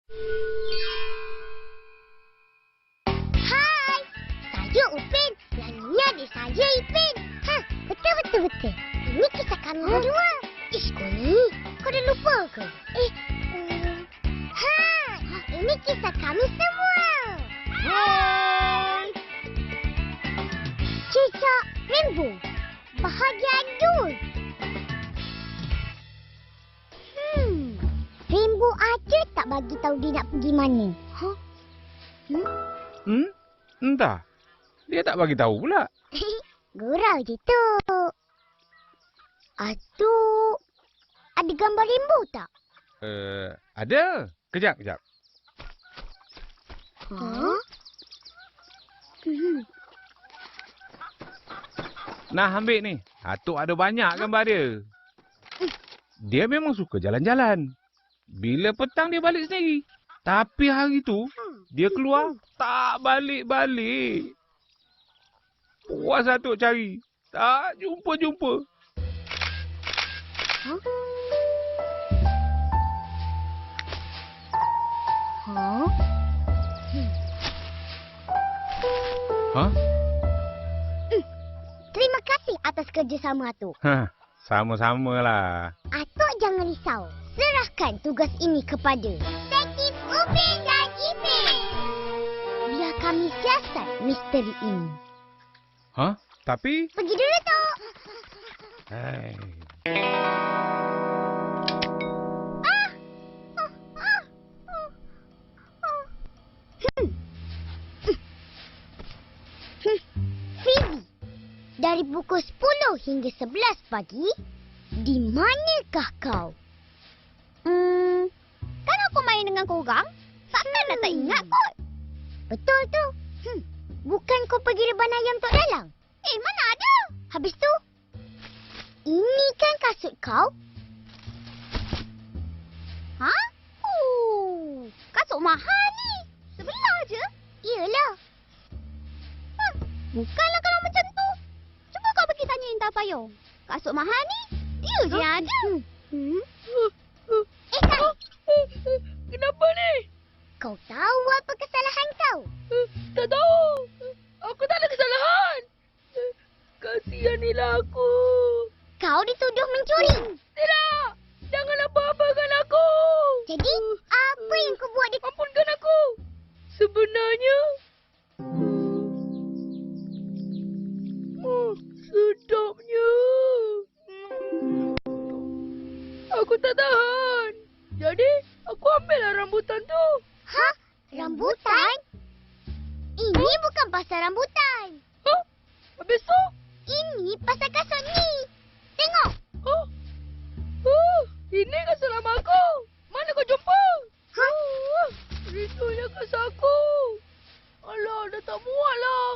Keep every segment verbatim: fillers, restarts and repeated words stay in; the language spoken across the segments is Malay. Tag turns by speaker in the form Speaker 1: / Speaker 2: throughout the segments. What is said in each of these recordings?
Speaker 1: Hai, saya Upin. Yang ini adik saya Ipin. Ha, betul-betul-betul. Ini kisah kami berdua. Ish, kau ni, kau dah lupa ke? Eh, um, ha, ini kisah kami semua.
Speaker 2: Hai.
Speaker 1: Cicak Rainbow. Bahagia Adul. Hmm, Rainbow aja tak bagi tahu dia nak pergi mana. Ha? Hmm?
Speaker 2: Hmm? Entah. Dia tak bagi tahu pula.
Speaker 1: Gurau je tu. Atuk, ada gambar rainbow tak?
Speaker 2: Eh, uh, ada. Kejap, kejap.
Speaker 1: Ha? Hmm.
Speaker 2: Nah, ambil ni. Atuk ada banyak gambar dia. Dia memang suka jalan-jalan. Bila petang dia balik sendiri. Tapi hari tu, dia keluar tak balik-balik. Puas Atuk cari. Tak jumpa-jumpa.
Speaker 1: Ha? Ha?
Speaker 2: Ha?
Speaker 1: Terima kasih atas kerjasama Atuk.
Speaker 2: Hah, sama-samalah.
Speaker 1: Atuk jangan risau. Serahkan tugas ini kepada Detektif Upin dan Ipin. Biar kami siasat misteri ini.
Speaker 2: Ha? Tapi...
Speaker 1: Pergi dulu, Tok.
Speaker 2: Hai.
Speaker 1: Ah! Ah! Ah! Ah! Ah! Hmm. Hmm. Hmm. Fizi, dari pukul sepuluh hingga sebelas pagi, di manakah kau?
Speaker 3: Hmm, kan aku main dengan korang. Takkan dah tak ingat kot.
Speaker 1: Betul tu. Hmm. Bukan kau pergi reban ayam Tok Dalang?
Speaker 3: Eh, mana ada?
Speaker 1: Habis tu, ini kan kasut kau?
Speaker 3: Ha? Oh, kasut mahal ni. Sebelah je.
Speaker 1: Iyalah.
Speaker 3: Hmm, bukanlah kalau macam tu. Cuba kau pergi tanya Intan Payung. Kasut mahal ni, dia je yang ada.
Speaker 1: Hmm. Eh, Kai.
Speaker 4: Kenapa ni?
Speaker 1: Kau tahu apa kesalahan kau?
Speaker 4: Tak tahu. Aku tak ada kesalahan. Kasihanilah aku.
Speaker 1: Kau dituduh mencuri.
Speaker 4: Tidak. Jangan apa-apakan aku.
Speaker 1: Jadi, apa yang kau buat di...
Speaker 4: Ampunkan aku. Sebenarnya... Oh, sedapnya. Aku tak tahan. Jadi, aku ambillah rambutan tu.
Speaker 1: Ha? Rambutan? Ini bukan pasal rambutan.
Speaker 4: Hah? Habis tu?
Speaker 1: Ini pasal kasut ni. Tengok.
Speaker 4: Oh. Oh, ini kasut lama aku. Mana kau jumpa?
Speaker 1: Ha?
Speaker 4: Oh, rindunya kasut aku. Alah, dah tak muat lah.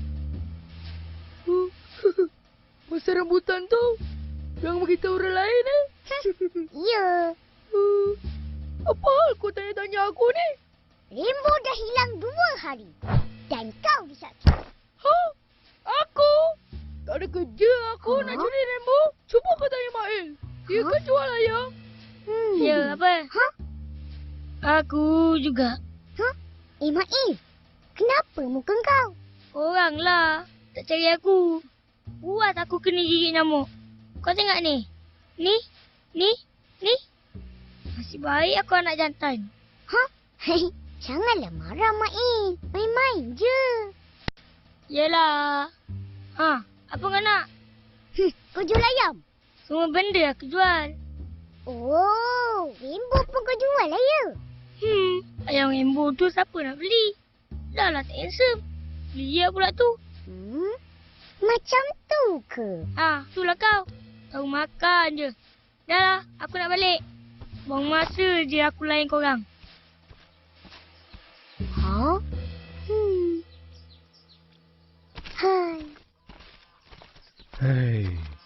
Speaker 4: Oh, pasal rambutan tu. Jangan beritahu orang lain eh.
Speaker 1: Ya.
Speaker 4: Oh, apa hal kau tanya-tanya aku ni?
Speaker 1: Rainbow dah hilang dua hari. Dan kau disakiti.
Speaker 4: Ha? Aku? Tak ada kerja aku
Speaker 1: Ha?
Speaker 4: nak curi Rainbow. Cuba kau tanya Mail. Dia
Speaker 1: Ha?
Speaker 4: kan jual ayam.
Speaker 1: Hmm.
Speaker 4: Ya, apa?
Speaker 1: Ha?
Speaker 4: Aku juga.
Speaker 1: Ha? Eh, Mail. Kenapa muka kau?
Speaker 4: Oranglah. Tak cari aku. Buat aku kena gigit nyamuk. Kau tengok ni. Ni. Ni. Ni. Nasib baik aku anak jantan.
Speaker 1: Ha? Hei, janganlah marah, Mail. Main-main je.
Speaker 4: Yelah. Ha, apa kau nak?
Speaker 1: Hmm, kau jual ayam?
Speaker 4: Semua benda aku jual.
Speaker 1: Oh, Rainbow pun kau jual lah ya?
Speaker 4: Hmm, ayam rainbow tu siapa nak beli? Dah lah tak handsome. Beli ya pula tu.
Speaker 1: Hmm, macam tu ke?
Speaker 4: Ha, itulah kau. Tahu makan je. Dah lah, aku nak balik. Buang masa je aku layan korang.
Speaker 1: Ha? Hmm. Hai.
Speaker 2: Hei.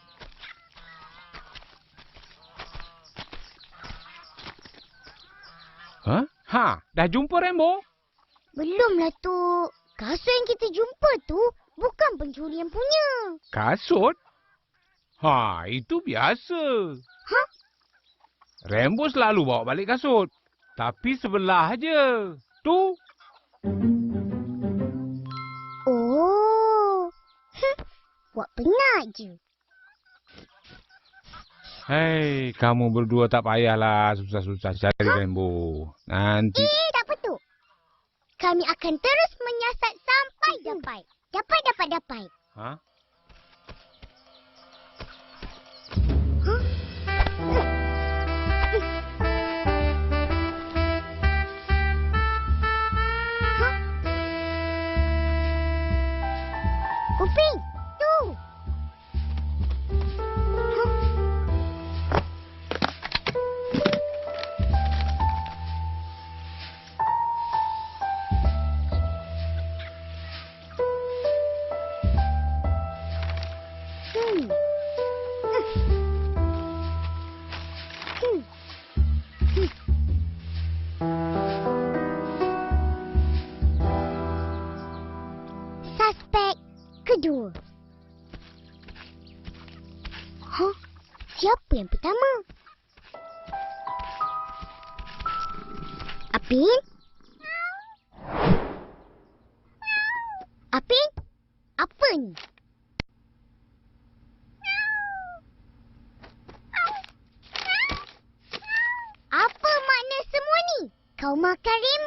Speaker 2: Ha? Ha, dah jumpa Rainbow?
Speaker 1: Belumlah tu. Kasut yang kita jumpa tu bukan pencurian punya.
Speaker 2: Kasut? Ha, itu biasa.
Speaker 1: Ha?
Speaker 2: Rainbow selalu bawa balik kasut. Tapi sebelah je. Tu.
Speaker 1: Oh. Hm. Buat penat je.
Speaker 2: Hei, kamu berdua tak payahlah susah-susah cari rainbow. Nanti...
Speaker 1: Eh, tak apa tu. Kami akan terus menyiasat sampai dapat. Dapat, dapat, dapat.
Speaker 2: Ha?
Speaker 1: Upin, tu. Hmm. Hmm. Suspek kedua. Hah? Siapa yang pertama? Apin? Apin? Apa ni? Apa makna semua ni? Kau makan